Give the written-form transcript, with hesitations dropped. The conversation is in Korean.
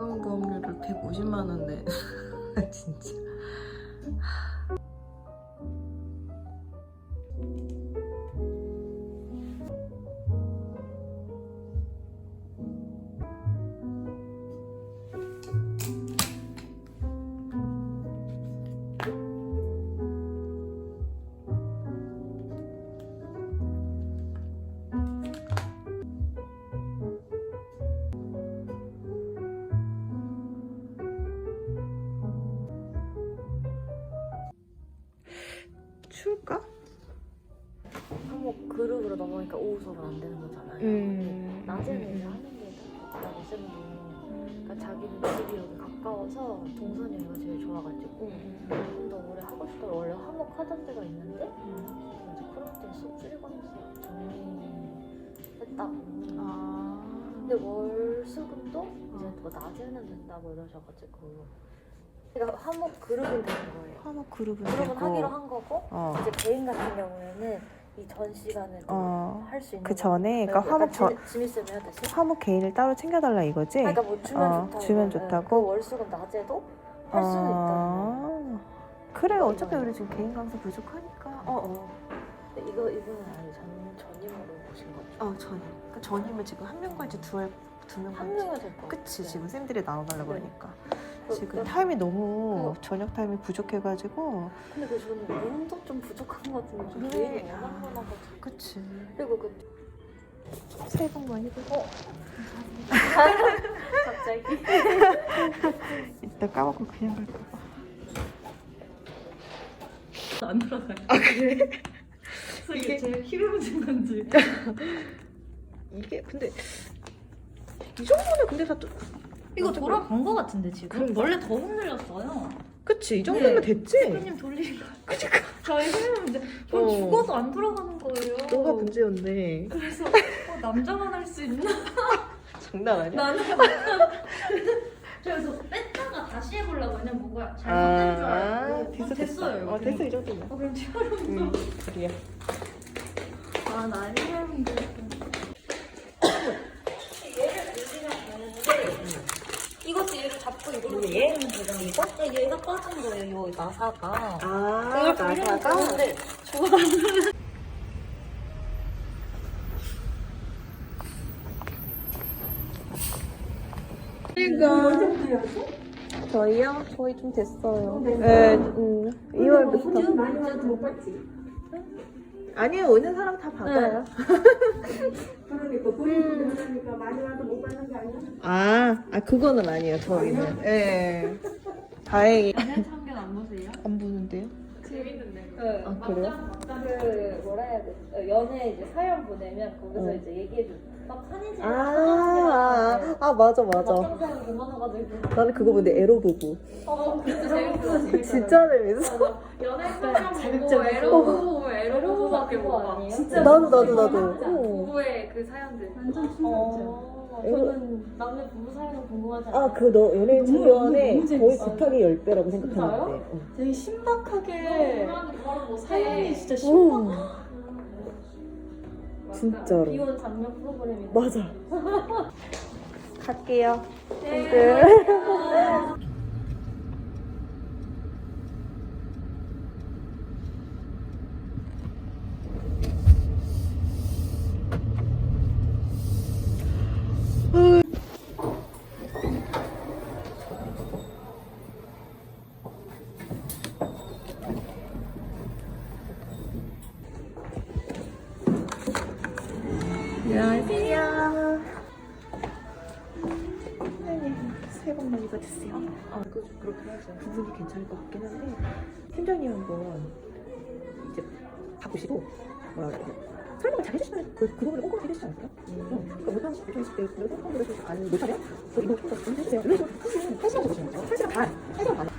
보험료를 150만 원 내. 진짜. 추울까? 한국 그룹으로 넘어가니까 오후 수업은 안 되는 거잖아요. 낮에는 이제 하는 게 좋다고 쌤도. 그러니까 자기는 집이 여기 가까워서 동선이 여기가 제일 좋아가지고 좀 더 오래 하고 싶다고 원래 화목 하던 데가 있는데 이제 코로나 때문에 수업 줄이면서 정리했다고. 근데 월수금도 이제 뭐 낮에는 된다고 이러셔가지고 그러니까 화목 그룹은 되는 거예요. 화목 그룹은 그룹은 되고. 하기로 한 거고 이제 개인 같은 경우에는 이 전 시간을 할 수 있는 그 전에 그러니까 화목 지미쌤 해야 되지? 화목 개인을 따로 챙겨달라 이거지? 그러니까 뭐 주면 좋다고 주면 좋다고? 그 월수금 낮에도 할 수는 있다는 그래 어차피 우리 지금 개인 강사 부족하니까 근데 이거는 아니 전임으로 오신 거죠? 그러니까 전임을 지금 한 명 갈지 두 명 한 갈지 명이 될거 그치 지금 쌤들이 나눠달라고 네. 그러니까 지금 타임이 너무 그 저녁 타임이 부족해가지고 근데 그 저는 운도 좀 부족한 것 같은데 좀 그래. 개인이 워낙 많아가지고 그치 그리고 그 새해 복 많이 받아 갑자기 이따 까먹고 그냥 갈까봐 안 돌아가요. 그래? 그래서 이게 제일 힘을 준 건지. 이게 근데 이 정도는 근데 다 이거 돌아간 거 같은데 지금? 그런가? 원래 더 흔들렸어요. 그치 이 정도면 됐지? 대표님 돌리는 거. 그러니까 저희 힘을 이제 전 죽어도 안 돌아가는 거예요. 너가 문제였네 그래서 남자만 할 수 있나? 장난 아니야? 나는 그래서 뺐다가 다시 해보려고 그냥 뭔가 잘못된 줄 알고 됐어요. 됐어 이 정도면 그럼 티아름 그래야 나 티아름도 이것도 얘를 잡고 이걸로 얘는 되잖아 이거? 얘가 빠진 거예요 요 나사가 나사가? 근데 저희요? 저희 좀 됐어요. 네, 2월부터. 많이 와도 못 봤지. 아니요, 오는 사람 다 받아요. 그러니까 본인이 그러니까 많이 와도 못 받는 거 아니야? 그거는 아니에요, 저희는. 예. 네. 다행히. 참견 안 보세요? 안 보는데요? 재밌는데. 그래요? 그 뭐라 해야 돼? 연애 이제 사연 보내면 거기서 이제 얘기해줘. 막 한이지. 맞아. 막상 사연 그만해가지고. 나는 그거 보는데 에로 보고. 진짜 재밌어. 진짜 재밌어. 연애 사연 보고 에로 보고 에로 보고밖에 못 봐. 아니에요? 진짜 나도. 부부의 그 사연들. 완전 저는 남의 부부 사연은 궁금하지 않아요. 너 연예인 참견에 너무 거의 재밌어. 곱하기 10배라고 생각하는데. 되게 신박하게 사연이 진짜 진짜로. 비혼 장면 프로그램이. 맞아. 갈게요. 안녕하세요. 새해 복 많이 받으세요. 그렇게 하죠. 부분이 괜찮을 것 같긴 한데 팀장님 한번 이제 가보시고 뭐라 그래야 돼? 설명을 잘 해주시면 그 부분을 꼼꼼하게 해주시지 않을까요? 그러니까 못하면 있을 때 그래도 꼼꼼하게 해주시고 아니 못하면 이거 좀 해주세요. 이런 식으로 한 시간 주시면 돼요. 1시간 반. 1시간 반.